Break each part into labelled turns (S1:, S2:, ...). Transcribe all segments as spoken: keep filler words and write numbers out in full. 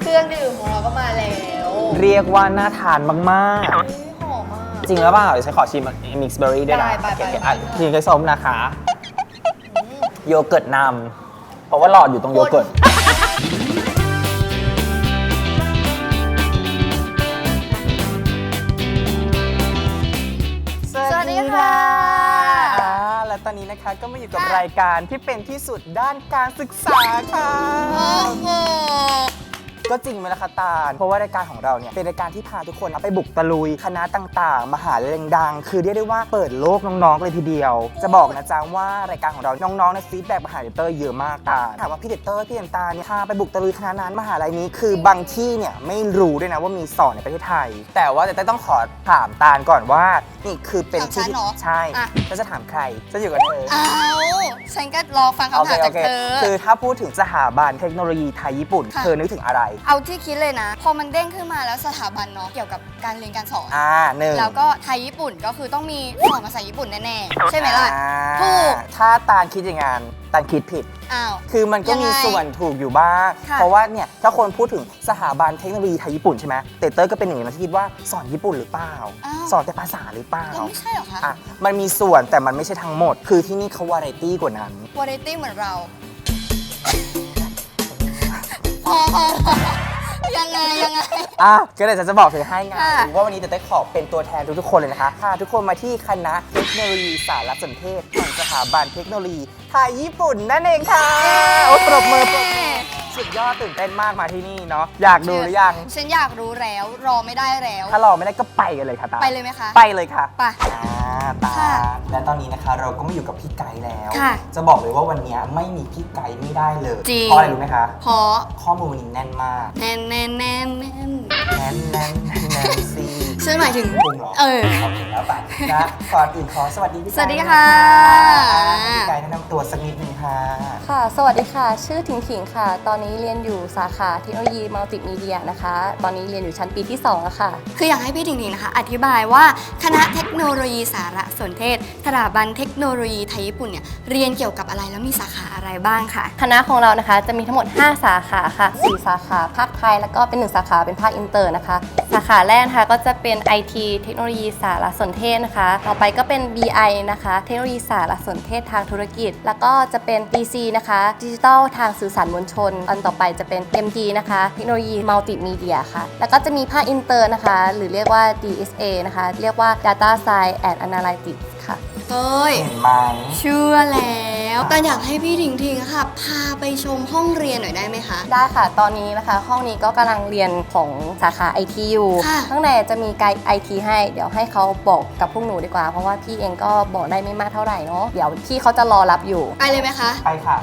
S1: รื่องดื่มของเราก็มาแล้ว
S2: เรียกว่าน่าทานมากๆ
S1: หอมมาก
S2: จริงแล้วเปล่าเดี๋ยวฉันขอชิมมิกซ์เบอร์รี่ด้วยนะ
S1: ได้ไปไปไป
S2: ทีนี้ก็ส้มนะคะโยเกิร์ตนำเพราะว่าหลอดอยู่ตรงโยเกิร์ต
S1: สวัสดีค่ะ
S2: และตอนนี้นะคะก็มาอยู่กับรายการที่เป็นที่สุดด้านการศึกษาค่ะ
S1: โอ้โห
S2: ก็จริงไหมล่ะคะตาลเพราะว่ารายการของเราเนี่ยเป็นรายการที่พาทุกคนไปบุกตะลุยคณะต่างๆมหาลัยดังๆคือเรียกได้ว่าเปิดโลกน้องๆเลยทีเดียวจะบอกนะจ๊ะว่ารายการของเราน้องๆในฟีดแบ็กมหาลัยเตอร์เยอะมากตาลถามว่าพี่เดเตอร์พี่เดนตาเนี่ยพาไปบุกตะลุยคณะนั้นมหาลัยนี้คือบางที่เนี่ยไม่รู้ด้วยนะว่ามีสอนในประเทศไทยแต่ว่าแต่ต้องขอถามตาลก่อนว่านี่คือเป็นที่ใช่แล้วจะถามใครจะอยู่กับเธอ
S1: อ้าวฉันก็รอฟังคำถามจากเธอ
S2: คือถ้าพูดถึงสถาบันเทคโนโลยีไทยญี่ปุ่นเธอนึกถึงอะไร
S1: เอาที่คิดเลยนะพอมันเด้งขึ้นมาแล้วสถาบันเนาะเกี่ยวกับการเรียนการสอน
S2: อ่าหนึ่ง
S1: แล้วก็ไทยญี่ปุ่นก็คือต้องมีสอนภาษาญี่ปุ่นแน่ๆใช่ไหมล่ะถูก
S2: ถ้าตาลคิดอย่างนั้นตาลคิดผิด
S1: อ้าว
S2: คือมันก็มีส่วนถูกอยู่บ้างเพราะว่าเนี่ยถ้าคนพูดถึงสถาบันเทคโนโลยีไทยญี่ปุ่นใช่ไหมเตเตอร์ก็เป็นหนึ่งในที่คิดว่าสอนญี่ปุ่นหรือเปล่าสอนแต่ภาษาหรือเปล่า
S1: ไม่ใช่หรอคะ
S2: อ่ะมันมีส่วนแต่มันไม่ใช่ทั้งหมดคือที่นี่เขาวาไรตี้กว่านั้น
S1: วาไรตี้เหมือนเราพอพอยังไงยังไง
S2: อ่ะก็เลยจะบอกเธอให้ไงว่าวันนี้เตเต้ขอเป็นตัวแทนทุกๆคนเลยนะคะพาทุกคนมาที่คณะเทคโนโลยีสารสนเทศแห่งสถาบันเทคโนโลยีไทยญี่ปุ่นนั่นเองค่ะโอ้ปรบมือปรบมือสุดยอดตื่นเต้นมากมาที่นี่เนาะอยากดูหรือยัง
S1: ฉันอยากรู้แล้วรอไม่ได้แล้ว
S2: ถ้ารอไม่ได้ก็ไปกันเลยค่ะตา
S1: ไปเลยไหมคะ
S2: ไปเลยค่ะ
S1: ไป
S2: ตาและตอนนี้นะคะเราก็มาอยู่กับพี่ไก่แล้ว
S1: ค่ะ
S2: จะบอกเลยว่าวันนี้ไม่มีพี่ไก่ไม่ได้เลย
S1: จริง
S2: เพราะอะไรรู้ไหมคะ
S1: เพราะ
S2: ข้อมูลวันนี้แน่นมาก
S1: แน่นแน่นแน่นแน่น
S2: แน่นแน่นแน่นซี
S1: ฉันหมายถึง
S2: พุงเหรอ
S1: เออ
S2: โอเคแล้วไปนะก่อนอื่นขอสวัสดีพี่ไก่
S1: สวัสดีค่ะ
S2: พี่ไก่แนะนำตัวสักนิดนึงค่ะ
S3: ค่ะสวัสดีค่ะชื่อถิงถิงค่ะตอนนี้เรียนอยู่สาขาเทคโนโลยีมัลติมีเดียนะคะตอนนี้เรียนอยู่ชั้นปีที่สองแล้วค่ะ
S1: คืออยากให้พี่ถิงถิงนะคะอธิบายว่าคณะเทคโนโลยีสารสนเทศสถาบันเทคโนโลยีไทยญี่ปุ่นเนี่ยเรียนเกี่ยวกับอะไรแล้วมีสาขาอะไรบ้างค่ะ
S3: คณะของเรานะคะจะมีทั้งหมดห้าสาขาค่ะสี่สาขาภาคไทยแล้วก็เป็นหนึ่งสาขาเป็นภาคอินเตอร์นะคะสาขาแรกนะคะก็จะเป็น ไอ ที เทคโนโลยีสารสนเทศนะคะต่อไปก็เป็น บี ไอ นะคะเทคโนโลยีสารสนเทศทางธุรกิจแล้วก็จะเป็น ดี ซี นะคะดิจิทัลทางสื่อสารมวลชนอันต่อไปจะเป็น เอ็ม ดี นะคะเทคโนโลยีมัลติมีเดียค่ะแล้วก็จะมีภาคอินเตอร์นะคะหรือเรียกว่า ดี เอส เอ นะคะเรียกว่า Data Science and Analytics ค่ะ
S1: เฮ้ย
S2: เห็นไหม
S1: เชื่อแล้วแต่อยากให้พี่ถิงถิงค่ะพาไปชมห้องเรียนหน่อยได้ไหมคะ
S3: ได้ค่ะตอนนี้นะคะห้องนี้ก็กำลังเรียนของสาขา ไอ ที อยู่ข้างในจะมีไกด์ ไอ ที ให้เดี๋ยวให้เขาบอกกับพวกหนูดีกว่าเพราะว่าพี่เองก็บอกได้ไม่มากเท่าไหร่เนาะเดี๋ยวพี่เขาจะรอรับอยู่
S1: ไปเลยไหมคะ
S2: ไปค่ะ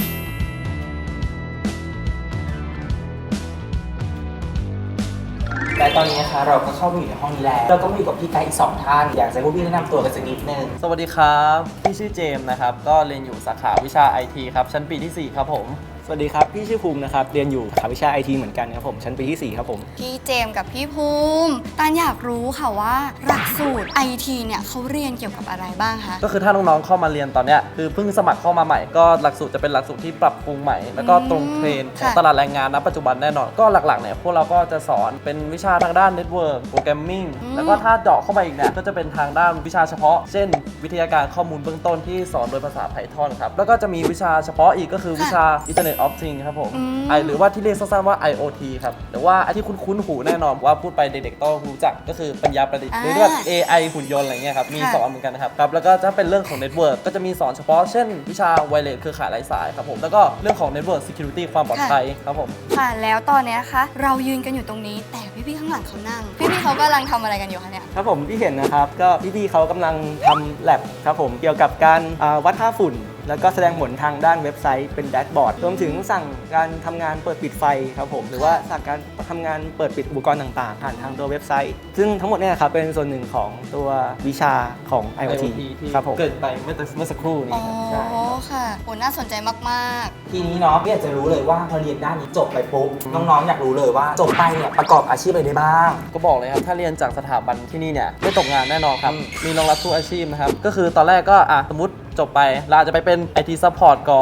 S2: และตอนนี้นะคะเราก็เข้ามาอยู่ในห้องนี้แล้วเราก็มาอยู่กับพี่ไกด์อีกสองท่านอยากจะให้พวกพี่แนะนำตัวกันสักนิดนึง
S4: สวัสดีครับพี่ชื่อเจมส์นะครับก็เรียนอยู่สาขาวิชา ไอ ที ครับชั้นปีที่สี่ครับผม
S5: สวัสดีครับพี่ชื่อภูมินะครับเรียนอยู่สาขาวิชา ไอ ที เหมือนกันครับผมชั้นปีที่สี่ครับผม
S1: พี่เจมส์กับพี่ภูมิตานอยากรู้ค่ะว่าหลักสูตร ไอ ที เนี่ยเขาเรียนเกี่ยวกับอะไรบ้างคะ
S4: ก็คือถ้าน้องๆเข้ามาเรียนตอนเนี้ยคือเพิ่งสมัครเข้ามาใหม่ก็หลักสูตรจะเป็นหลักสูตรที่ปรับปรุงใหม่แล้วก็ตรงเทรนด์ของตลาดแรงงานณปัจจุบันแน่นอนก็หลักๆเนี่ยพวกเราก็จะสอนเป็นวิชาทางด้านเน็ตเวิร์กโปรแกรมมิ่งแล้วก็ถ้าเจาะเข้าไปอีกเนี่ยก็จะเป็นทางด้านวิชาเฉพาะเช่นวิทยาการข้อมูลเบื้องต้นที่สอนโดยภาษา Python ครับแล้วก็จะมีวิชาเฉพาะอีกก็คือวิชา Internet of Things ครับผมไอหรือว่าที่เรียกสั้นๆว่า ไอ โอ ที ครับหรือว่าไอที่คุ้นๆหูแน่นอนว่าพูดไปเด็กๆต้องรู้จักก็คือปัญญาประดิษฐ์หรือเรียก เอ ไอ หุ่นยนต์อะไรเงี้ยครับมีสอนเหมือนกันนะครับครับแล้วก็จะเป็นเรื่องของเน็ตเวิร์กก็จะมีสอนเฉพาะเช่นวิชาไวเลสเครือข่ายไร้สายครับผมแล้วก็เรื่องของเน็ตเวิร์ก security ความปลอดภัยครับผม
S1: ค่ะแล้วตอนนี้คะเรายืนกันอยู่ตรงนี้แต่พี่ๆข้างหลังเขานั่งพี่ๆเขากำลังทำอะไรกันอยู่คะเนี่ย
S5: ครับผมที่เห็นนะครับก็พี่ๆเขากำลังทำแลบครับผมเกี่ยวกับการวัดค่าฝุ่นแล้วก็แสดงผลทางด้านเว็บไซต์เป็นแดชบอร์ดรวมถึงสั่งการทำงานเปิดปิดไฟครับผมหรือว่าสั่งการทำงานเปิดปิดอุปกรณ์ต่างๆผ่านทางตัวเว็บไซต์ซึ่งทั้งหมดเนี่ยครับเป็นส่วนหนึ่งของตัววิชาของ ไอ โอ ที ครับผม
S4: เกิดไปเมื่อเมื่อสักครู่นี้
S1: อ๋อค่ะโหน่าสนใจมาก
S2: ๆทีนี้เนาะพี่อยากจะรู้เลยว่าพอเรียนด้านนี้จบไปปุ๊บน้องๆอยากรู้เลยว่าจบไปเนี่ยประกอบอาชีพอะไรได้บ้าง
S4: ก็บอกเลยครับถ้าเรียนจากสถาบันที่นี่เนี่ยไม่ตกงานแน่นอนครับมีรองรับทุกอาชีพนะครับก็คือตอนแรกก็อ่ะสมมติจบไปเราอาจจะไปเป็น ไอ ที Support ก่อน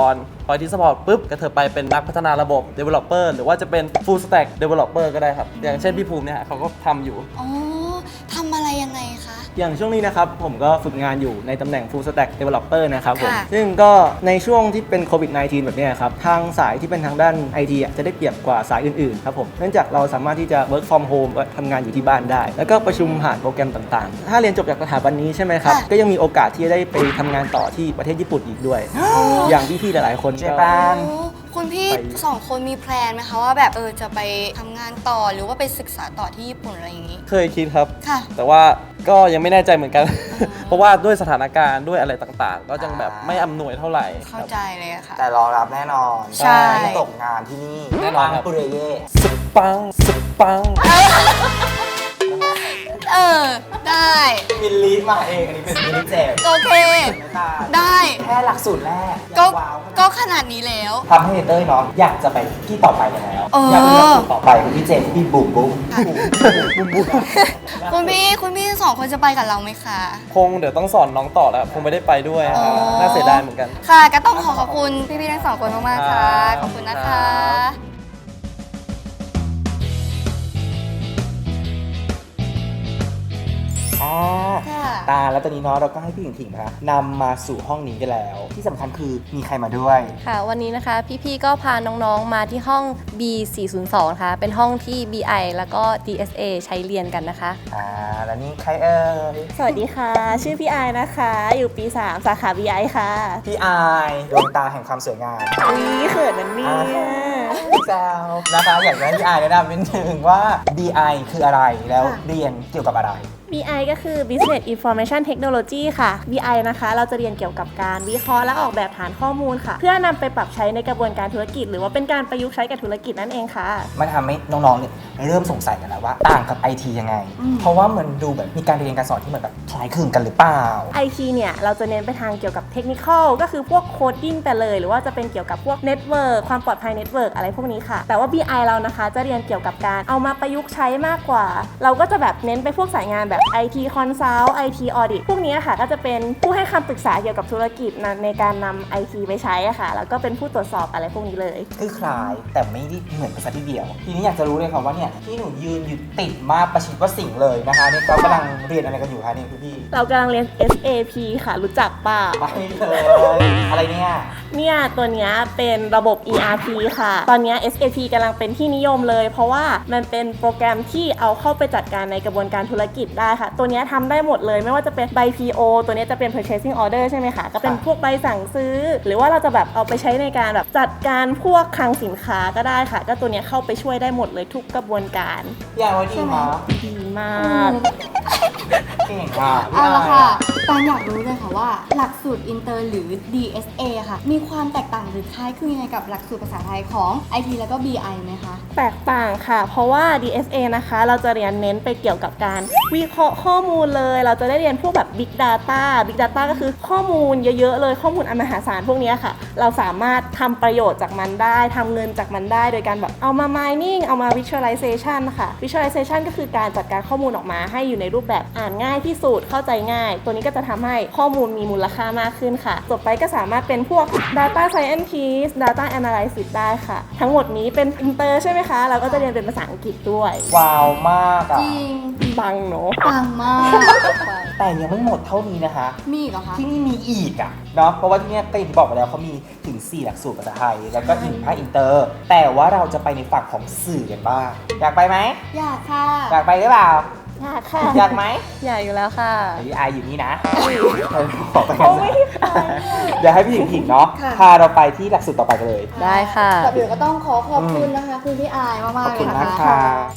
S4: พอ ไอ ที Support ปุ๊บก็เธอไปเป็นนักพัฒนาระบบ Developer หรือว่าจะเป็น Full Stack Developer ก็ได้ครับ อย่างเช่นพี่ภูมิเนี่ยเขาก็ทำอยู่
S1: อ๋อทำอะไรยังไงคะ
S5: อย่างช่วงนี้นะครับผมก็ฝึกงานอยู่ในตำแหน่ง Full Stack Developer นะครับผม
S1: ค่ะ
S5: ซึ่งก็ในช่วงที่เป็นโควิด สิบเก้า แบบเนี้ยครับทางสายที่เป็นทางด้าน ไอ ที อ่ะจะได้เปรียบกว่าสายอื่นๆครับผมเนื่องจากเราสามารถที่จะ work from home ก็ทำงานอยู่ที่บ้านได้ แล้วก็ประชุมผ่านโปรแกรมต่างๆ ถ้าเรียนจบจากสถาบันนี้ใช่ไหมครับ
S1: ค่ะ
S5: ก็ยังมีโอกาสที่จะได้ไปทำงานต่อที่ประเทศญี่ปุ่นอีกด้วย อย่างพี่ๆหลายๆคน
S2: เจ
S5: ก็
S2: แปน
S1: โอ้คุณพี่
S5: ไป
S1: สองคนมีแพลนไหมคะว่าแบบเออจะไปทำงานต่อหรือว่าไปศึกษาต่อที่ญี่ปุ่นอะไรอย่างนี้
S4: เคยคิดครับ
S1: ค่ะ
S4: แต่ว่าก็ยังไม่แน่ใจเหมือนกัน เพราะว่าด้วยสถานการณ์ด้วยอะไรต่างๆ ก็ยังแบบไม่อำนวยเท่าไหร่ค
S1: เข้า
S4: รับ
S1: ใจเลยอะค่ะ
S2: แต่รอรับแน่นอน
S1: ใช่
S2: ไม่ตกงานที่นี่
S4: แน่นอนครับ
S2: ปุเรเย่
S4: สปังสปัง
S1: เออ ได้
S2: มิลลีมาเองอันนี้เป็นมิลลีเจม
S1: โอเค ได้
S2: แค่หลักสูตรแรก
S1: ก็
S2: ว้าว
S1: ก็ขนาดนี้แล้ว
S2: ทำให้เต้ยเนาะอยากจะไปที่ต่อไปแล้ว
S1: เอออ
S2: อยากเป็นหลักสูตรต่อไปคุณพี่เจมส์พี่บุ๋มบุ๋ม
S1: คุณพี่คุณพี่สองคนจะไปกับเราไหมคะ
S4: คงเดี๋ยวต้องสอนน้องต่อแล้วคงไม่ได้ไปด้วยครับ
S1: อ๋อ
S4: น่าเสียดายเหมือนกัน
S1: ค่ะ ก็ต้องขอขอบคุณพี่ๆทั้งสองคนมากๆค่ะ
S4: ครับ
S1: ขอบคุณนะ
S4: ครั
S1: คะ
S4: บ
S2: อ่า
S1: ค่ะ
S2: ตาแล้วตอนนี้เนาะเราก็ให้พี่หญิงถิงนะคะนำมาสู่ห้องนี้กันแล้ว ที่สำคัญคือมีใครมาด้วย
S3: ค่ะ วันนี้นะคะพี่ๆก็พาน้องๆมาที่ห้อง บี สี่ศูนย์สอง นะคะเป็นห้องที่ บี ไอ แล้วก็ ดี เอส เอ ใช้เรียนกันนะคะ
S2: อ่าแล้วนี่ใครเอ่ย
S6: สวัสดีค่ะ ชื่อพี่ไอายนะคะ อยู่ปี สาม สาขา บี ไอ ค่ะ
S2: พี่อายดวงตาแห่งความสวยงาม
S6: อุ๊ยเขินนันนี่
S2: อ่า แซวนะคะอยากจะให้พี่อายแนะนำนิดนึงว่า บี ไอ คืออะไรแล้วเรียนเกี่ยวกับอะไร
S6: บี ไอ ก็คือ Business Information Technology ค่ะ บี ไอ นะคะ เราจะเรียนเกี่ยวกับการวิเคราะห์และออกแบบฐานข้อมูลค่ะ เพื่อนำไปปรับใช้ในกระบวนการธุรกิจ หรือว่าเป็นการประยุกต์ใช้กับธุรกิจนั่นเองค่ะ
S2: มันทำให้น้องๆ เนี่ยเริ่มสงสัยกันแล้วว่าต่างกับ ไอ ที ยังไง เพราะว่าเหมือนดูแบบมีการเรียนการสอนที่เหมือนแบบคล้ายคลึงกันหรือเปล่า
S6: ไอ ที เนี่ย เราจะเน้นไปทางเกี่ยวกับเทคนิคอลก็คือพวกโคดดิ้งไปเลย หรือว่าจะเป็นเกี่ยวกับพวกเน็ตเวิร์กความปลอดภัยเน็ตเวิร์กอะไรพวกนี้ค่ะ แต่ว่า บี ไอ เรานะคะจะเรียนเกี่ยวกับการเอามาประยุกต์ใช้มากกว่า เราก็จะแบบเน้นไปพวกสายงานแบบ ไอ ที Consult ไอ ที Audit พวกนี้ค่ะก็จะเป็นผู้ให้คำปรึกษาเกี่ยวกับธุรกิจนะในการนำ ไอ ที ไปใช้อะค่ะ แล้วก็เป็นผู้ตรวจสอบอะไรพวกนี้เลย
S2: คือคล้ายแต่ไม่ได้เหมือนกันซะทีเดียว ทีนี้อยากจะรู้เลยค่ะว่าเนี่ยที่หนูยืนอยู่ติดมากประชิดประสิ่งเลยนะคะนี่ก็กำลังเรียนอะไรกันอยู่คะเนี่ยคุณพี่
S6: เรากำลังเรียน เอส เอ พี ค่ะ รู้จักเปล่า
S2: ไปเลยอะไรเนี่ย
S6: เนี่ยตัวเนี้ยเป็นระบบ อี อาร์ พี ค่ะ ตอนเนี้ย เอส เอ พี กำลังเป็นที่นิยมเลย เพราะว่ามันเป็นโปรแกรมที่เอาเข้าไปจัดการในกระบวนการธุรกิจได้ค่ะ ตัวเนี้ยทำได้หมดเลยไม่ว่าจะเป็นใบ พี โอ ตัวเนี้ยจะเป็น purchasing order ใช่ไหมคะ ก็เป็นพวกใบสั่งซื้อ หรือว่าเราจะแบบเอาไปใช้ในการแบบจัดการพวกคลังสินค้าก็ได้ค่ะ ก็ตัวเนี้ยเข้าไปช่วยได้หมดเลยทุกกระบวนการ
S2: อย่างว่าดีมา
S6: ดีมาก
S2: เก่งอ่ะพี่
S1: เอาละ
S2: อาย
S1: ค่ะตอนอยากรู้เลยค่ะว่าหลักสูตรอินเตอร์หรือ ดี เอส เอ ค่ะ มีความแตกต่างหรือคล้ายคลึงยังไงกับหลักสูตรภาษาไทยของ ไอ ที แล้วก็ บี ไอ ไหมคะ
S6: แตกต่างค่ะ เพราะว่า ดี เอส เอ นะคะ เราจะเรียนเน้นไปเกี่ยวกับการวิเคราะห์ข้อมูลเลย เราจะได้เรียนพวกแบบ Big Data Big Data ก็คือข้อมูลเยอะๆเลยข้อมูลอันมหาศาลพวกเนี้ยค่ะ เราสามารถทำประโยชน์จากมันได้ทำเงินจากมันได้โดยการแบบเอามา mining เอามา visualization ค่ะ visualization ก็คือการจัดการข้อมูลออกมาให้อยู่ในรูปแบบอ่านง่ายที่สุดเข้าใจง่าย ตัวนี้ก็จะทำให้ข้อมูลมีมูลค่ามากขึ้นค่ะจบไปก็สามารถเป็นพวก data scientist data analysis ได้ค่ะ ทั้งหมดนี้เป็น inter ใช่ไหมคะ เราก็จะเรียนเป็นภาษาอังกฤษด้วย
S2: ว้าวมากอ่ะ
S1: จริง
S6: บังเนาะ
S1: ปังมาก
S2: แต่ยังไม่หมดเท่านี้นะคะ
S1: มีอีกเหรอคะ
S2: ที่นี่มีอีกอ่ะเนาะเพราะว่าที่เนี่ยก็อย่างที่บอกไปแล้วเขามีถึง สี่ หลักสูตรภาษาไทย แล้วก็อีกภาคอินเตอร์ แต่ว่าเราจะไปในฝั่งของสื่อกันบ้าง อยากไปไหม
S1: อยากค่ะ
S2: อยากไปหรือเปล่า
S6: ยากค่ะ
S2: อยากไหม
S3: ใหญ่อยู่แล้วค่ะ
S2: เดี๋ยวพี่อายอยู่นี่นะขอไปกันนะเดี๋ยวให้พี่ถิงถิงเนาะ
S1: ค่ะ
S2: พาเราไปที่หลักสูตรต่อไปกันเลย
S3: ได้ค่ะ
S1: ก่อนอื่นก็ต้องขอขอบคุณนะคะคุณพี่อายมาก
S2: ขอบ
S1: ๆเล
S2: คุ
S1: ย
S2: ณ
S1: นะ
S2: มาก
S1: คะ
S2: ค่ะ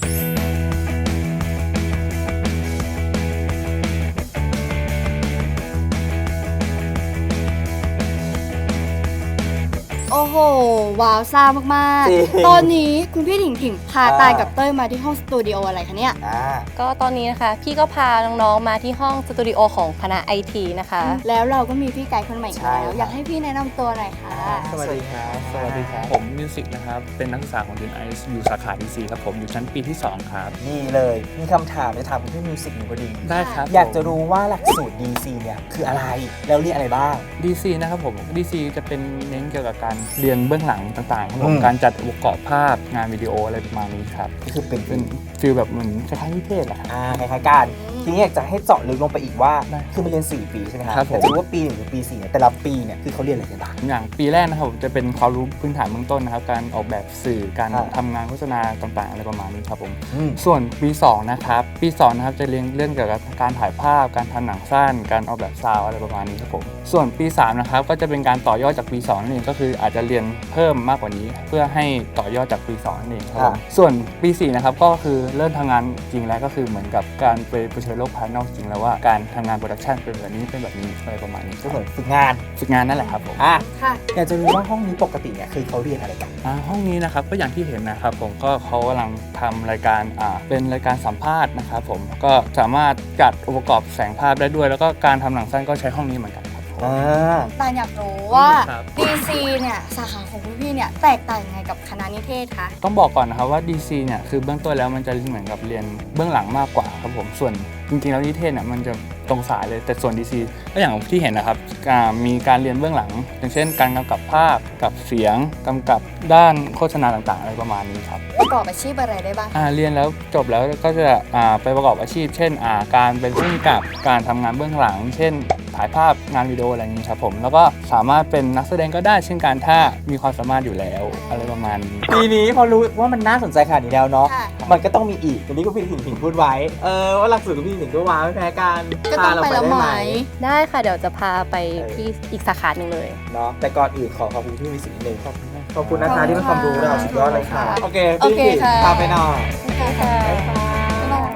S1: โอ้โห ว้าวซ่ามาก
S2: จริง
S1: ๆ ตอนนี้คุณพี่ถิงถิงพา
S2: อ่า
S1: ตายกับเต้ยมาที่ห้องสตูดิโออะไรคะเนี่ย
S2: อ่า
S3: ก็ตอนนี้นะคะ พี่ก็พาน้องๆมาที่ห้องสตูดิโอของคณะ ไอ ที นะคะ
S1: แล้วเราก็มีพี่ไกด์คนใหม่อีก
S2: ใช่
S1: แล้ว
S2: ครับ
S1: อยากให้พี่แนะนำตัวหน่อยค่ะ
S2: สวัสดีครับ
S7: สวัสดีครับ ผมมิวสิกนะครับ เป็นนักศึกษาของเดนไอซ์อยู่สาขา ดี ซี ครับผม อยู่ชั้นปีที่ สอง ครับ
S2: นี่เลย มีคำถามจะถามคุณพี่มิวสิกหนูพอดี
S7: ได้ครับ
S2: อยากจะรู้ว่าหลักสูตร ดี ซี เนี่ยคืออะไร แล้วเรียนอะไรบ้าง
S7: ดี ซี นะครับผม ดี ซี จะเป็นเน้นเกี่ยวกับการเรียนเบื้องหลังต่างๆครับผม
S2: อืม
S7: การจัดองค์ประกอบภาพงานวิดีโออะไรประมาณนี้ครับ
S2: ก็คือเป็น
S7: เป็นฟีลแบบเหมือนคล้ายๆนิเทศแหละครับ
S2: อ่าคล้ายๆกันทีนี้อยากจะให้เจาะลึกลงไปอีกว่า
S7: ได้
S2: คือมันเรียนสี่ปีใช่ไหมครับ
S7: ครับผม
S2: อยากจะรู้ว่าปีหนึ่งหรือปีสี่เนี่ยแต่ละปีเนี่ยคือเขาเรียนอะไรกันบ้าง
S7: อย่างปีแรกนะครับผมจะเป็นความรู้พื้นฐานเบื้องต้นนะครับการออกแบบสื่อการ
S2: ครับ
S7: ทำงานโฆษณาต่างๆอะไรประมาณนี้ครับผม
S2: อืม
S7: ส่วนปีสองนะครับปีสองนะครับจะเรียนเรื่องเกี่ยวกับการถ่ายภาพการทำหนังสั้นการออกแบบซาวด์อะไรประมาณนี้ครับผมส่วนปีสามนะครับก็จะเป็นการต่อยอดจากปีสองนั่นเองก็คืออาจจะเรียนเพิ่มมากกว่านี้ เพื่อให้ต่อยอดจากปีสองนั่นเองครับผมส่วนปีสี่นะครับก็คือเริ่มทำงานจริงแล้วก็คือเหมือนกับการไปเผชิญโลกภายนอกจริงแล้วว่าการทำงานโปรดักชันเป็นแบบนี้เป็นแบบนี้อะไรประมาณนี้
S2: ก็เหมือนฝึกงาน
S7: ฝึกงานนั่นแหละครับผม
S2: อ่ะ
S1: ค่ะ
S2: อยากจะรู้ว่าห้องนี้ปกติเนี่ยคือเขาเรียนอะไรกัน
S7: อ่าห้องนี้นะครับก็อย่างที่เห็นนะครับผมก็เขากำลังทำรายการอ่าเป็นรายการสัมภาษณ์นะครับผมก็สามารถจัดองค์ประกอบแสงภาพได้ด้วย แล้วก็การทำหนังสั้นก็ใช้ห้องนี้เหมือนกันครับผม
S2: อ่า
S1: ตาลอยากรู้ว่า
S7: ครับ
S1: ดี ซี เนี่ยสาขาของพวกพี่เนี่ยแตกต่างยังไงกับคณะนิเทศคะ
S7: ต้องบอกก่อนนะครับว่า ดี ซี เนี่ยคือเบื้องต้นแล้วมันจะเหมือนกับเรียนเบื้องหลังมากกว่าครับผมส่วนจริงๆแล้วนิเทศเนี่ยมันจะตรงสายเลยแต่ส่วน ดี ซี ก็อย่างที่เห็นนะครับอ่ามีการเรียนเบื้องหลัง อย่างเช่น การกำกับภาพกับเสียงกำกับด้านโฆษณาต่างๆอะไรประมาณนี้ครับ
S1: ประกอบอาชีพอะไรได้บ้าง
S7: อ่าเรียนแล้วจบแล้วก็จะอ่าไปประกอบอาชีพ เช่นอ่าการเป็นผู้กำกับการทำงานเบื้องหลัง เช่น ถ่ายภาพงานวิดีโออะไรอย่างนี้ครับผมแล้วก็สามารถเป็นนักแสดงก็ได้เช่นการถ้ามีความสามารถอยู่แล้วอะไรประมาณนี้
S2: ปีนี้พอรู้ว่ามันน่าสนใจขนาดนี้แล้วเนาะ
S1: ค่ะ
S2: มันก็ต้องมีอีกอย่างนี้ก็พี่ถิงถิงพูดไว้ เออว่าหลักสูตรของพี่ถิงก็ว้าวไม่แพ้กัน
S1: ก็ต้องไปแล้วไหม
S3: ได้ค่ะเดี๋ยวจะพาไปที่อีกสาขาหนึ่งเลย
S2: เนาะแต่ก่อนอื่นขอขอบคุณพี่วิสิตนิดนึงขอบคุณขอบคุณนะคะที่ให้ความรู้เราสุดยอดเลยค่ะ โอเค
S1: โอ
S2: พี่
S1: เค
S2: ถิง
S1: ค่ะ
S2: พาไปหน่อย
S1: โอเคค่ะบ๊ายบาย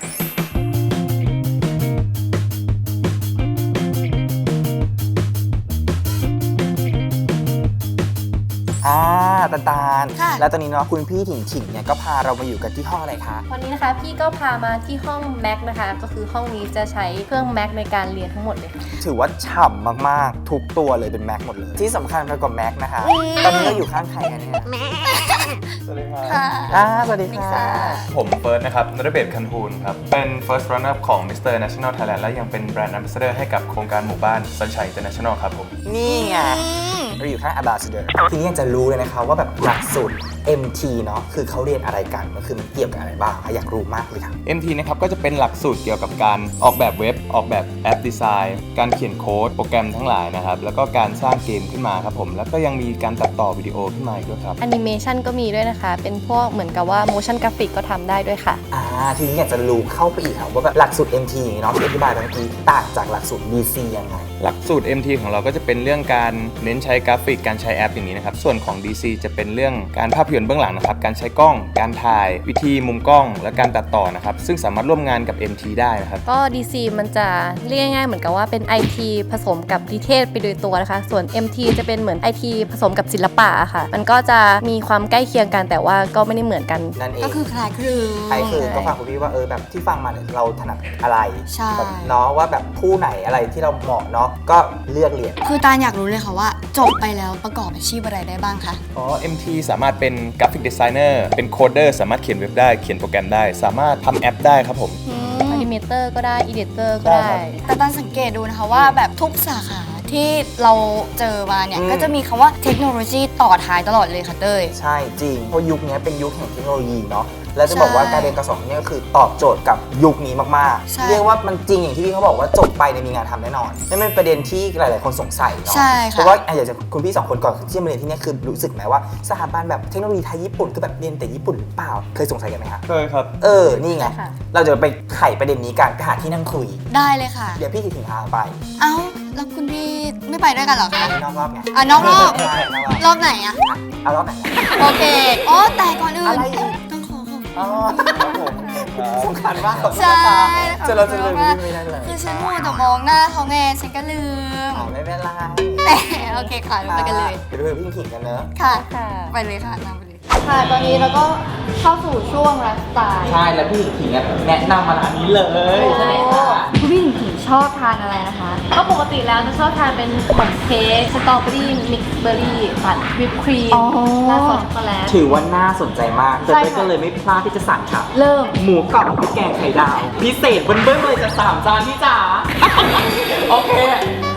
S2: อ่าตาลตาล
S1: ค่ะ
S2: แล้วตอนนี้เนาะคุณพี่ถิงถิงเนี่ยก็พาเรามาอยู่กันที่ห้องอะไรคะ
S3: วันนี้นะคะพี่ก็พามาที่ห้อง Mac นะคะ ก็คือห้องนี้จะใช้เครื่อง Mac ในการเรียนทั้งหมดเลยค่ะ
S2: ถือว่าฉ่ำมากๆ ทุกตัวเลยเป็นแม็กหมดเลย ที่สำคัญไปกว่าแม็กนะคะ ตอนนี้เราอยู่ข้างใครกันเนี่ย
S4: สวัสดีครับ
S1: ค่ะ
S2: อ่าสวัสดีค่ะ
S1: ค่ะ
S8: ผมเฟิร์สนะครับนรเบศคันทูลครับ เป็น first runner up ของ มิสเตอร์ National Thailand และยังเป็น brand ambassador ให้กับโครงการหมู่บ้าน Sunshine International ครับผม
S2: นี่ไง เราอยู่ข้าง Ambassador ทีนี้อยากจะรู้เลยนะคะว่าแบบหลักสูตร เอ็ม ที เนาะคือเขาเรียนอะไรกันมันคือมันเกี่ยวกับอะไรบ้างคะอยากรู้มากเลยค่ะ
S8: เอ็ม ที นะครับก็จะเป็นหลักสูตรเกี่ยวกับการออกแบบเว็บออกแบบแอปดีไซน์การเขียนโค้ดโปรแกรมทั้งหลายนะครับแล้วก็การสร้างเกมขึ้นมาครับผมแล้วก็ยังมีการตัดต่อวิดีโอขึ้นมาอีกด้วยครับ
S3: แอนิเมชันก็มีด้วยนะคะ เป็นพวกเหมือนกับว่า motion graphic ก็ทำได้ด้วยค่ะ
S2: อ่าทีนี้อยากจะรู้เข้าไปอีกค่ะว่าแบบหลักสูตร เอ็ม ที เนาะที่อธิบายไปเมื่อกี้ต่างจากหลักสูตร ดี ซี ยังไง
S8: หลักสูตร เอ็ม ที ของเราก็จะเป็นเรื่องการเน้นใช้กราฟิกการใช้แอปอย่างนี้นะครับส่วนของ ดี ซี จะเป็นเรื่องการภาพยนตร์เบื้องหลังนะครับการใช้กล้องการถ่ายวิธีมุมกล้อง และการตัดต่อนะครับซึ่งสามารถร่วมงานกับ เอ็ม ที ได้นะครับ
S3: ก็ ดี ซี มันจะเรียกง่ายๆเหมือนกับว่าเป็น ไอ ที ผสมกับนิเทศไปโดยตัวนะคะ ส่วน เอ็ม ที จะเป็นเหมือน ไอ ที ผสมกับศิลปะค่ะ มันก็จะมีความใกล้เคียงกันแต่ว่าก็ไม่ได้เหมือนกัน
S2: นั่นเอง
S1: ก็คือคล้ายคลึง
S2: ใครคือก็ฟังคุณพี่ว่าเออแบบที่ฟังมาเนี่ยเราถนัดอะไร
S1: ใช่
S2: แบบเนาะว่าแบบคู่ไหนอะไรที่เราเหมาะเนาะก็เลือกเรียน
S1: คือตาลอยากรู้เลยค่ะว่าจบไปแล้วประกอบอาชีพอะไรได้บ้างคะ
S8: อ๋อ เอ็ม ที สามารถเป็นกราฟิกดีไซเนอร์เป็นโคดเดอร์สามารถเขียนเว็บได้เขียนโปรแกรมได้ สามารถทำแอปได้ครับผม
S3: อนิเมเตอร์ก็ได้ อีดิเตอร์ก็ได้
S1: แต่ตอนสังเกตดูนะคะว่าแบบทุกสาขาที่เราเจอมาเนี่ย
S2: อืม
S1: ก็จะมีคำว่าเทคโนโลยีต่อท้ายตลอดเลยค่ะเต้ย
S2: ใช่จริงเพราะยุคนี้เป็นยุคแห่งเทคโนโลยีเนาะแล้วจะบอกว่า
S1: ใช่
S2: การเรียนการสอนเนี่ยก็คือตอบโจทย์กับยุคนี้มาก
S1: ใช่
S2: ๆ เรียกว่ามันจริงอย่างที่พี่เขาบอกว่าจบไปเนี่ยมีงานทำแน่นอนนี่เป็นประเด็นที่หลาย ๆ คนสงสัยเนาะ
S1: ใช่
S2: เพ
S1: ค่ะ
S2: ราะว่าอ่ะอยากจะคุณพี่สองคนก่อนที่จะมาเรียนที่เนี่ยคือรู้สึกไหมว่าสถาบันแบบเทคโนโลยีไทยญี่ปุ่นคือแบบเรียนแต่ญี่ปุ่นหรือเปล่าเคยสงสัยกันไหมคะ
S8: เคยครับ
S2: เออนี่ไง
S3: ใช่ค่ะ
S2: เราจะไปไขประเด็นนี้กันไปหาที่นั่งคุย
S1: ได้เลยค่ะ
S2: เดี๋ยวพี่ถิงถิงพาไป
S1: เอ้าแล้วคุณพี่ไม่ไปด้วยกันเหรอคะ
S2: นอกรอบไง
S1: อ่ะนอกรอบ
S2: ใช่นอกรอบ
S1: รอบไหนอะ
S2: เอารอบไหนอะ
S1: โอเคโอ้แต่ก่อนอื่น
S2: อะไรอีก
S1: ต้องขอขอบคุณ
S2: อ๋อครับผมสำคัญมากขอบคุณ
S1: ใช่
S2: นะคะจะเราจะลืมไม่ได้เลย
S1: คือฉันมัวแต่มองหน้าเขาไงฉันก็ลืม
S2: อ่าไม่เป็นไร
S1: แต่โอเคค่ะไปกันเลย
S2: เดี๋ยวไปพี่ถิงกันเนอะ
S1: ค่ะ
S3: ค่ะ
S1: ไปเลยค่ะนำไปเลย
S3: ค่ะ ตอนนี้เราก็เข้าสู่ช่วงไลฟ์สไตล์
S2: ใช่แล้วพี่ถิงเนี่ยแนะนำมาร้านนี้เลยใช่ไหมคะ
S3: คุณพี่ถึงชอบทานอะไรนะคะ ก็ปกติแล้วจะชอบทานเป็นขนมเค้กสตรอเบอรี่มิกซ์เบอร์รี่ปั่นวิปครีม
S1: อ๋อ
S3: และซอสช็อกโกแลต
S2: ถือว่าน่าสนใจมาก
S3: ใช่
S2: เต้ย
S3: ค่ะ
S2: ก็เลยไม่พลาดที่จะสั่งค่ะ
S3: เริ่ม
S2: หมูกรอบพริกแกงไข่ดาว พิเศษเบิ้ลๆเลยจะสามจานพี่จ๋า โอเค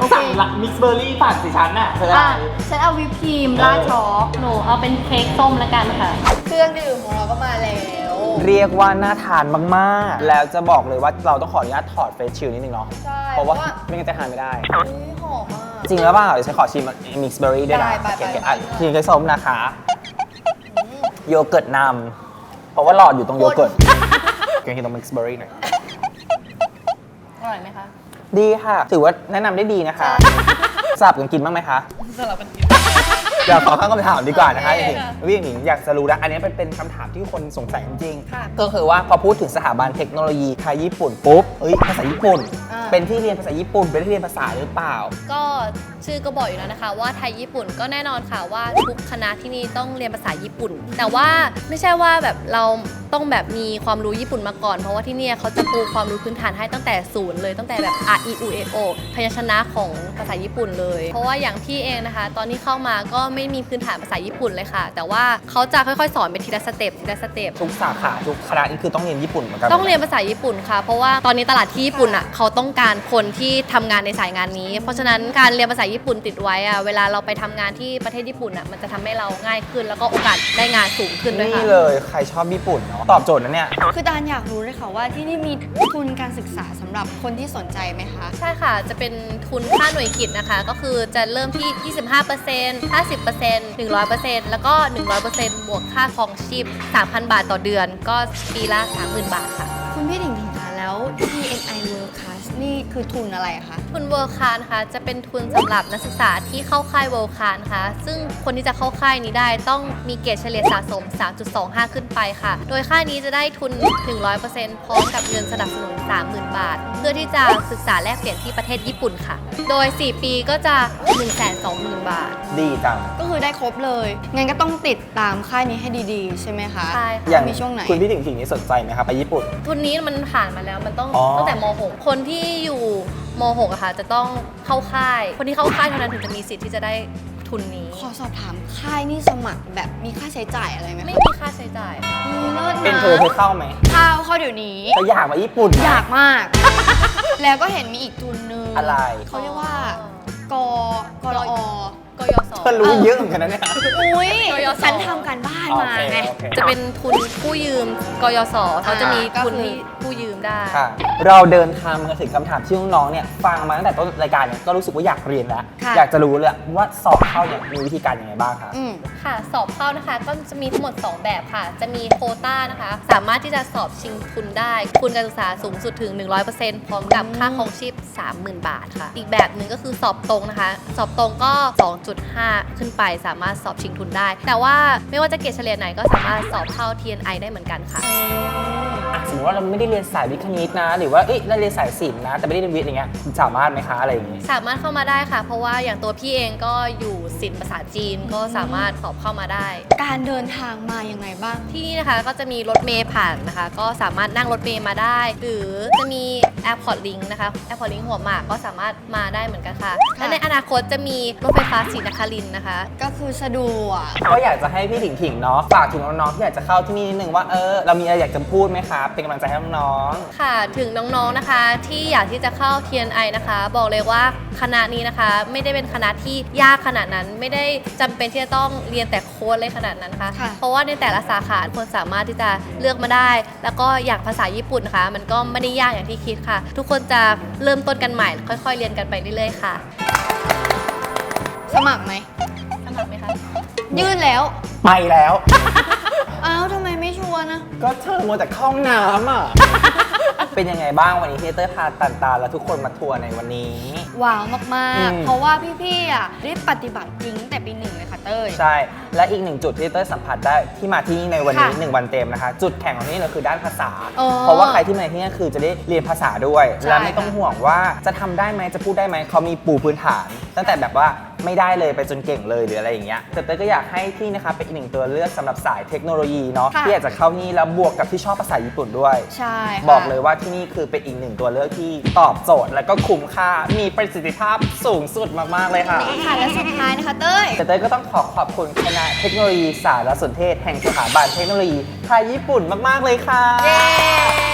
S2: สั่งละมิกซ์เบอร์รี่ปั่นสิฉันน่ะเธออะไร
S1: อ่ะฉันเอาวิปครีมราดช็อก
S3: หนูเอาเป็นเค้กส้มแล้วกันค่ะ
S1: เครื่องดื่มของเราก็มาแล้ว
S2: เรียกว่าน่าทานมากๆ แล้วจะบอกเลยว่าเราต้องขออนุญาตถอดเฟซชิลนิดนึงเนาะ
S1: ใช่
S2: เพราะว่าไม่งั้นจะทานไม่ได้
S1: อุ๊ยหอมมาก
S2: จริงแล้วเปล่าเดี๋ยวฉันขอชิมมิกซ์เบอร์รี่ด้วยนะ
S1: ได้ไป
S2: โอเค
S1: ไป
S2: ๆอ่ะ
S1: ไป
S2: ทีนี้ก็ส้มนะคะ โยเกิร์ตนำเพราะว่าหลอดอยู่ตรงโยเกิร์ตเกินตรงมิกซ์เบอร์รี่หน่อย
S3: อร่อยไหมคะ
S2: ดีค่ะ ถือว่าแนะนำได้ดีนะคะสลับกันกินบ้างไหมคะ
S3: สลับกันกิน
S2: เดี๋ยวขอข้างคำถามดีกว่านะคะ
S3: โอ
S2: จ
S3: เค
S2: ริง
S3: ค่ะ
S2: ๆวิ่งหนิงอยากจะรู้นะอันนี้เป็นเป็นคำถามที่คนสงสัยจริง
S1: ค่ะ
S2: ๆก็คือว่าพอพูดถึงสถาบันเทคโนโลยีไทยญี่ปุ่นปุ๊บเอ้ยภาษาญี่ปุ่น
S1: อ่า
S2: เป็นที่เรียนภาษาญี่ปุ่น เป็นที่เรียนภาษาหรือเปล่า
S3: ก็ชื่อก็บอกอยู่แล้วนะคะว่าไทยญี่ปุ่นก็แน่นอนค่ะว่าทุกคณะที่นี่ต้องเรียนภาษาญี่ปุ่น แต่ว่าไม่ใช่ว่าแบบเราต้องแบบมีความรู้ญี่ปุ่นมาก่อน เพราะว่าที่เนี่ยเขาจะปูความรู้พื้นฐานให้ตั้งแต่ศูนย์เลยตั้งแต่แบบ r e u e o พยัญชนะของภาษาญี่ปุ่นเลย เพราะว่าอย่างพี่เองนะคะ ตอนที่เข้ามาก็ไม่มีพื้นฐานภาษาญี่ปุ่นเลยค่ะ แต่ว่าเขาจะค่อยๆสอนเป็นทีละสเต็ปทีละสเต็ป
S2: ทุกสาขาทุกคณะนี่คือต้องเรียนญี่ปุ่นเหมือนกัน
S3: ต้องเรียนภาษาญี่ปุ่นค่ะ เพราะว่าตอนนี้ตลาดที่ญี่ปุ่นอ่ะเขาต้องการคนที่ทำงานในสายงานนี้ เพราะฉะนั้นการเรียนภาษาญี่ปุ่นติดไว้อ่ะเวลาเราไปทำงานที่ประเทศญี่ปุ่นอ่ะมันจะทำให้เราง่ายขึ้น แล้วก็โอกาสได้งานสูงขึ้นด้วย
S2: นี่
S3: ค่ะ
S2: เลยใครชอบญี่ปุ่นเนาะตอบโจทย์นะเนี่ย
S1: คือตาลอยากรู้เลยค่ะว่าที่นี่มีทุนการศึกษาสำหรับคนที่สนใจไหมคะ
S3: ใช่ค่ะ จะเป็นทุนค่าหน่วยกิจนะคะ ก็คือจะเริ่มที่ ยี่สิบห้าเปอร์เซ็นต์ ห้าสิบเปอร์เซ็นต์ หนึ่งร้อยเปอร์เซ็นต์ แล้วก็ หนึ่งร้อยเปอร์เซ็นต์ บวกค่าครองชีพ สามพัน บาทต่อเดือน ก็ปีละ สามหมื่น บาทค่ะ
S1: คุณพี่ถิงถิงคะแล้ว ที เอ็น ไอ World Class นี่คือทุนอะไรอะคะ
S3: ทุนเวิร์คคานนะคะจะเป็นทุนสำหรับนักศึกษาที่เข้าค่ายเวิร์คคานค่ะซึ่งคนที่จะเข้าค่ายนี้ได้ต้องมีเกรดเฉลี่ยสะสม สามจุดสองห้า ขึ้นไปค่ะ โดยค่ายนี้จะได้ทุนถึง ร้อยเปอร์เซ็นต์ พร้อมกับเงินสนับสนุน สามหมื่น บาท เพื่อที่จะศึกษาแลกเปลี่ยนที่ประเทศญี่ปุ่นค่ะ โดย สี่ ปีก็จะ หนึ่งแสนสองหมื่น บาท
S2: ดีจัง
S1: ก็คือได้ครบเลย งั้นก็ต้องติดตามค่ายนี้ให้ดีๆ ใช่ไหมคะ
S3: ใช่ค่ะ
S2: อย่าง
S1: มีช่วงไหน
S2: คุณพี่ถิงถิงนี่สนใจไหมครับไปญี่ปุ่น
S3: ทุนนี้มันผ่านมาแล้วมันต้อง
S2: อ๋อ
S3: ตั้งแต่ม หก คนที่อยู่ม หกอะค่ะจะต้องเข้าค่าย คนที่เข้าค่ายเท่านั้นถึงจะมีสิทธิ์ที่จะได้ทุนนี้
S1: ขอสอบถามค่ายนี่สมัครแบบมีค่าใช้จ่ายอะไรไหม
S3: ไม่
S1: คะ
S3: มีค่าใช้จ่ายค่ะ
S1: อืมเลิศ
S2: เป็น
S1: นะ
S2: เธอเธอเข้าไหม
S1: เข้าเข้าเดี๋ยวนี้
S2: เธออยากมาญี่ปุ่นไหม
S1: อยากมาก แล้วก็เห็นมีอีกทุนนึง
S2: อะไร
S1: เขาเรียกว่ากกรอ
S3: กยศ
S2: เธอรู้เยอะเหมือนกันนะเนี่ย
S1: อุ้ย
S3: กยศ
S1: ฉันทำการบ้านมา
S2: โอเค
S1: ไง
S2: โอเค
S3: จะเป็นทุนกู้ยืมกยศเขาจะมี
S1: ก็
S3: ทุน
S1: คือ
S3: ที่กู้ยืมได้
S2: ค่ะเราเดินทางมาถึงคำถามที่น้องๆเนี่ยฟังมาตั้งแต่ต้นรายการเนี่ยก็รู้สึกว่าอยากเรียนแล้ว
S1: ค่ะ
S2: อยากจะรู้เลยว่าสอบเข้าเนี่ยมีวิธีการยังไงบ้างคะ
S1: อืม
S3: ค่ะ สอบเข้านะคะ ก็จะมีทั้งหมด สอง แบบค่ะ จะมีโควต้านะคะ สามารถที่จะสอบชิงทุนได้ทุนการศึกษาสูงสุดถึง หนึ่งร้อยเปอร์เซ็นต์ พร้อมกับค่าครองชีพ สามหมื่น บาทค่ะ อีกแบบหนึ่งก็คือสอบตรงนะคะ สอบตรงก็ สองจุดห้า ขึ้นไปสามารถสอบชิงทุนได้ แต่ว่าไม่ว่าจะเกรดเฉลี่ยไหนก็สามารถสอบเข้า ที เอ็น ไอ ได้เหมือนกันค่ะ
S2: อ่ะสมมติว่าเราไม่ได้เรียนสายวิทย์คณิตนะ หรือว่าเอ้ยเราเรียนสายศิลป์นะ แต่ไม่ได้เรียนวิทย์อย่างเงี้ยสามารถไหมคะอะไรอย่างงี้
S3: สามารถเข้ามาได้ค่ะ เพราะว่าอย่างตัวพี่เองก็อยู่ศิลป์ภาษาจีนก็สามารถสอบเข้ามาได้
S1: การเดินทางมายังไงบ้าง
S3: ที่นี่นะคะก็จะมีรถเมล์ผ่านนะคะ ก็สามารถนั่งรถเมล์มาได้ หรือจะมี Airport Link นะคะ Airport Link หัวหมากก็สามารถมาได้เหมือนกันค่ะ และในอนาคตจะมีรถไฟฟ้าศรีนครินทร์นะคะ
S1: ก็คือสะดวก
S2: ก็อยากจะให้พี่ถิงถิงเนาะฝากถึงน้องๆที่อยากจะเข้าที่นี่นิดนึงว่าเออเรามีอะไรอยากจะพูดไหมคะเป็นกำลังใจให้น้อง
S3: ค่ะถึงน้องๆนะคะที่อยากที่จะเข้า ที เอ็น ไอ นะคะ บอกเลยว่าคณะนี้นะคะ ไม่ได้เป็นคณะที่ยากขนาดนั้น ไม่ได้จำเป็นที่จะต้องเรียนแต่โค้ดเลยขนาดนั้นค่ะ
S1: ค่ะ
S3: เพราะว่าในแต่ละสาขาคนสามารถที่จะเลือกมาได้ แล้วก็อย่างภาษาญี่ปุ่นนะคะ มันก็ไม่ได้ยากอย่างที่คิดค่ะ ทุกคนจะเริ่มต้นกันใหม่ ค่อยๆเรียนกันไปเรื่อยๆค่ะ
S1: สมัครไหม
S3: สมัครไหมคะ
S1: ยื่นแล้ว
S2: ๆ ไปแล้ว
S1: อ้าวทำไมไม่ชวนนะ
S2: ก็เธอมัวแต่เข้าห้องน้ำอ่ะ เป็นยังไงบ้างวันนี้ที่เต้ยพาตันตาและทุกคนมาทัวร์ในวันนี้
S1: ว้าวมาก
S2: อืม
S1: ๆ เพราะว่าพี่ๆอ่ะได้ปฏิบัติจริงตั้งแต่ปีหนึ่งเลยค่ะเต้ย
S2: ใช่ และอีกหนึ่งจุดที่เต้ยสัมผัสได้ที่มาที่นี่ในวันนี้
S1: ค่ะ
S2: หนึ่งวันเต็มนะคะ จุดแข็งของที่นี่เลยคือด้านภาษา
S1: อ๋อ
S2: เพราะว่าใครที่มาที่นี่คือจะได้เรียนภาษาด้วย
S1: ใช่
S2: และไม่ต้องห่วงว่าจะทำได้ไหมจะพูดได้ไหมเขามีปูพื้นฐาน ตั้งแต่แบบว่าไม่ได้เลยไปจนเก่งเลยหรืออะไรอย่างเงี้ยแต่เต้ยก็อยากให้ที่นะคะเป็นอีกหนึ่งตัวเลือกสำหรับสายเทคโนโลยีเนาะ
S1: ค่ะ
S2: ที่อยากจะเข้านี่แล้วบวกกับที่ชอบภาษาญี่ปุ่นด้วย
S1: ใช่ค่ะ
S2: บอกเลยว่าที่นี่คือเป็นอีกหนึ่งตัวเลือกที่ตอบโจทย์และก็คุ้มค่ามีประสิทธิภาพสูงสุดมากๆเลยค่ะ
S1: ค่ะและสุดท้ายนะคะเต้ย
S2: แต่เต้ยก็ต้องขอขอบคุณคณะเทคโนโลยีสารสนเทศแห่งสถาบันเทคโนโลยีไทยญี่ปุ่นมาก ๆ เลยค่ะ
S1: เย้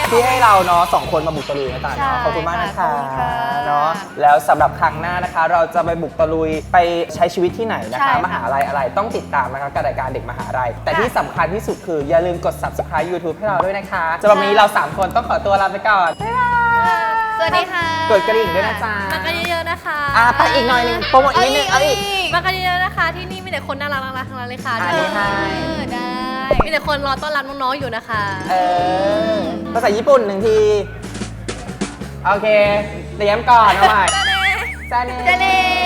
S2: ที่ให้เราเนาะสองคนมาบุกตะลุยนะตา
S1: ใช่
S2: เนาะขอบคุณมากนะคะ
S1: ขอบคุณค่ะ
S2: เนาะแล้วสำหรับครั้งหน้านะคะ เราจะไปบุกตะลุยไปใช้ชีวิตที่ไหนนะ
S1: ใช่
S2: คะ
S1: ค่ะ
S2: มหาลัยอะไรต้องติดตามนะคะกับรายการเด็กมหาลัยแต่ที่สำคัญที่สุดคืออย่าลืมกด Subscribe YouTube ให้เราด้วยนะคะสำหรับวันนี้เราสามคนต้องขอตัวลาไปก่อนบ๊ายบาย
S1: สวัสดีค่ะ
S2: กดกระดิ่งด้วยนะจ๊ะ
S3: มากันเยอะๆนะคะ
S2: อ่ะไปอีกหน่อยหนึงโปรโมทนิดนึงเอาอีก
S3: มากันเยอะๆนะคะ ที่นี่มีแต่คนน่ารักน่ารักทั้งนั้นเลยค่ะ
S2: อันนี้ให้
S1: เออได้
S3: มีแต่คนรอต้อนรับน้องๆอยู่นะคะ
S2: เออภาษาญี่ปุ่นหนึ่งที โอเค เตรียมก่อนเอาใหม่
S1: จะเน่